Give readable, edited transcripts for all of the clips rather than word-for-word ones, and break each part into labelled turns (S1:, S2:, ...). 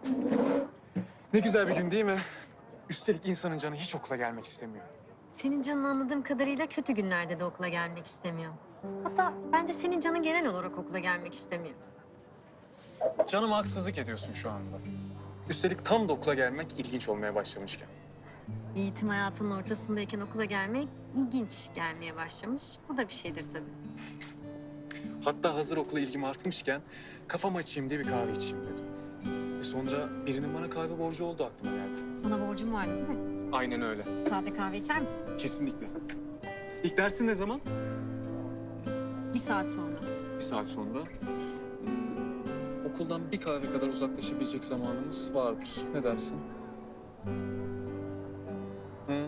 S1: Ne güzel bir gün değil mi? Üstelik insanın canı hiç okula gelmek istemiyor.
S2: Senin canın anladığım kadarıyla kötü günlerde de okula gelmek istemiyor. Hatta bence senin canın genel olarak okula gelmek istemiyor.
S1: Canıma haksızlık ediyorsun şu anda. Üstelik tam da okula gelmek ilginç olmaya başlamışken.
S2: Eğitim hayatının ortasındayken okula gelmek ilginç gelmeye başlamış. Bu da bir şeydir tabii.
S1: Hatta hazır okula ilgim artmışken kafam açayım diye bir kahve içeyim dedim. Ve sonra birinin bana kahve borcu olduğu aklıma geldi.
S2: Sana borcum vardı değil mi?
S1: Aynen öyle.
S2: Sade kahve içer misin?
S1: Kesinlikle. İlk dersin ne zaman?
S2: 1 saat sonra.
S1: 1 saat sonra. Okuldan bir kahve kadar uzaklaşabilecek zamanımız vardır. Ne dersin? Hı?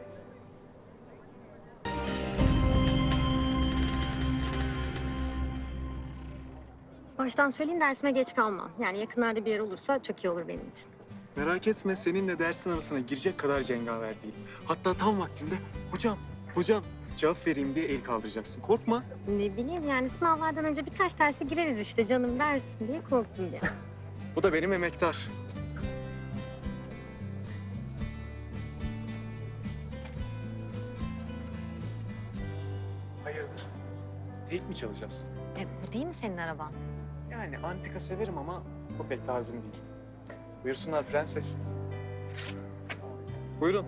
S2: Baştan söyleyeyim dersime geç kalmam. Yani yakınlarda bir yer olursa çok iyi olur benim için.
S1: Merak etme, seninle dersin arasına girecek kadar cengaver değil. Hatta tam vaktinde hocam cevap vereyim diye el kaldıracaksın. Korkma.
S2: Ne bileyim yani sınavlardan önce birkaç derse gireriz işte canım dersin diye korktum ya.
S1: Bu da benim emektar. Hayırdır? Tek mi çalacağız?
S2: Bu değil mi senin araban?
S1: Yani antika severim ama o pek tarzım değil. Buyursunlar prenses. Buyurun.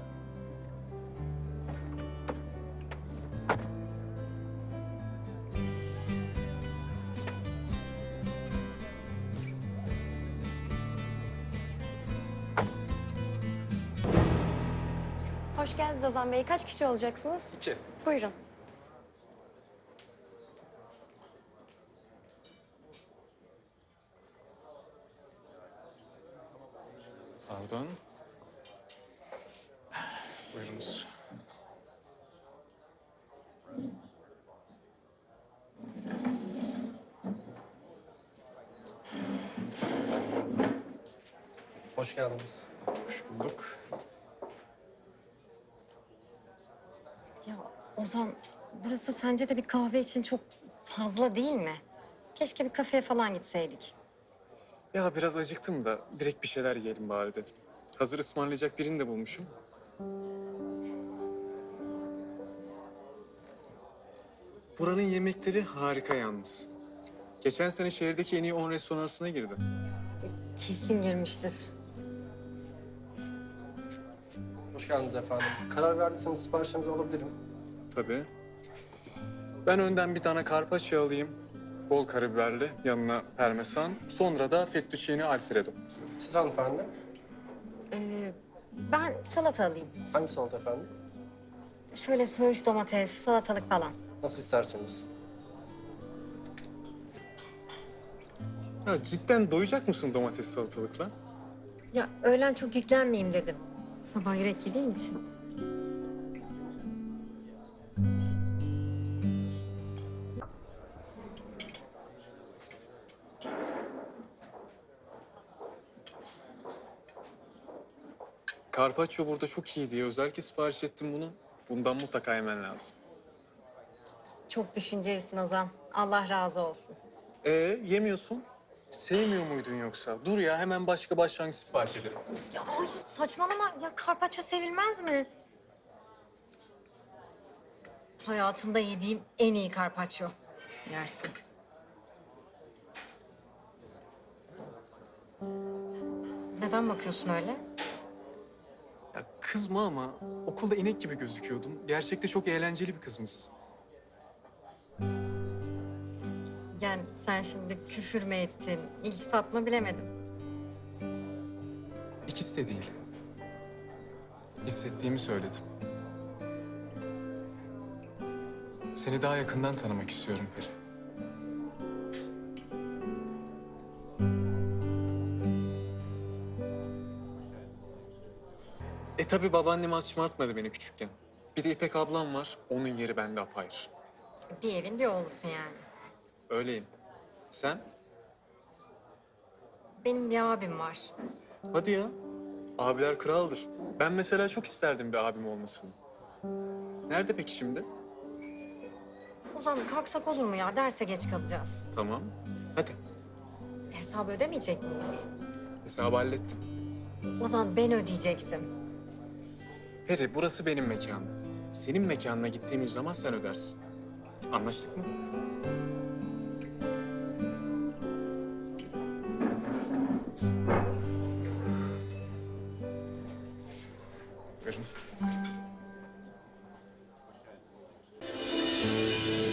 S3: Hoş geldiniz Ozan Bey. Kaç kişi olacaksınız?
S1: 2.
S3: Buyurun.
S1: Pardon. Buyurunuz.
S4: Hoş geldiniz.
S1: Hoş bulduk.
S2: Ya Ozan, burası sence de bir kahve için çok fazla değil mi? Keşke bir kafeye falan gitseydik.
S1: Ya biraz acıktım da direkt bir şeyler yiyelim bari dedim. Hazır ısmarlayacak birini de bulmuşum. Buranın yemekleri harika yalnız. Geçen sene şehirdeki en iyi 10 restoran arasına girdi.
S2: Kesin girmiştir.
S4: Hoş geldiniz efendim. Karar verdiyseniz siparişinizi alabilirim.
S1: Tabii. Ben önden bir tane carpaccio alayım. Bol karabiberli, yanına parmesan. Sonra da fettuccine alfredo.
S4: Siz hanımefendi?
S2: Ben salata alayım.
S4: Hangi salata efendim?
S2: Şöyle söğüş, domates, salatalık falan.
S4: Nasıl isterseniz.
S1: Ya cidden doyacak mısın domates salatalıkla?
S2: Ya öğlen çok yüklenmeyeyim dedim. Sabah yürek yediğim için.
S1: Carpaccio burada çok iyi diye özellikle sipariş ettim bunu. Bundan mutlaka yemen lazım.
S2: Çok düşüncelisin Ozan. Allah razı olsun.
S1: Yemiyorsun. Sevmiyor muydun yoksa? Dur ya hemen başka başlangıç sipariş edelim.
S2: Ya hayır saçmalama. Ya karpaccio sevilmez mi? Hayatımda yediğim en iyi karpaccio. Yersin. Neden bakıyorsun öyle?
S1: Ya kızma ama okulda inek gibi gözüküyordun. Gerçekte çok eğlenceli bir kızmışsın.
S2: Yani sen şimdi küfür mü ettin, iltifat mı bilemedim.
S1: İkisi de değil. Hissettiğimi söyledim. Seni daha yakından tanımak istiyorum Peri. Tabii babaannem az şımartmadı beni küçükken. Bir de İpek ablam var, onun yeri bende apayrı.
S2: Bir evin bir oğlusun yani.
S1: Öyleyim. Sen?
S2: Benim bir abim var.
S1: Hadi ya. Abiler kraldır. Ben mesela çok isterdim bir abim olmasını. Nerede peki şimdi?
S2: Ozan kalksak olur mu ya? Derse geç kalacağız.
S1: Tamam. Hadi.
S2: Hesabı ödemeyecek miyiz?
S1: Hesabı hallettim.
S2: Ozan ben ödeyecektim.
S1: Peri, burası benim mekanım. Senin mekanına gittiğimiz zaman sen ödersin. Anlaştık mı? Buyurun.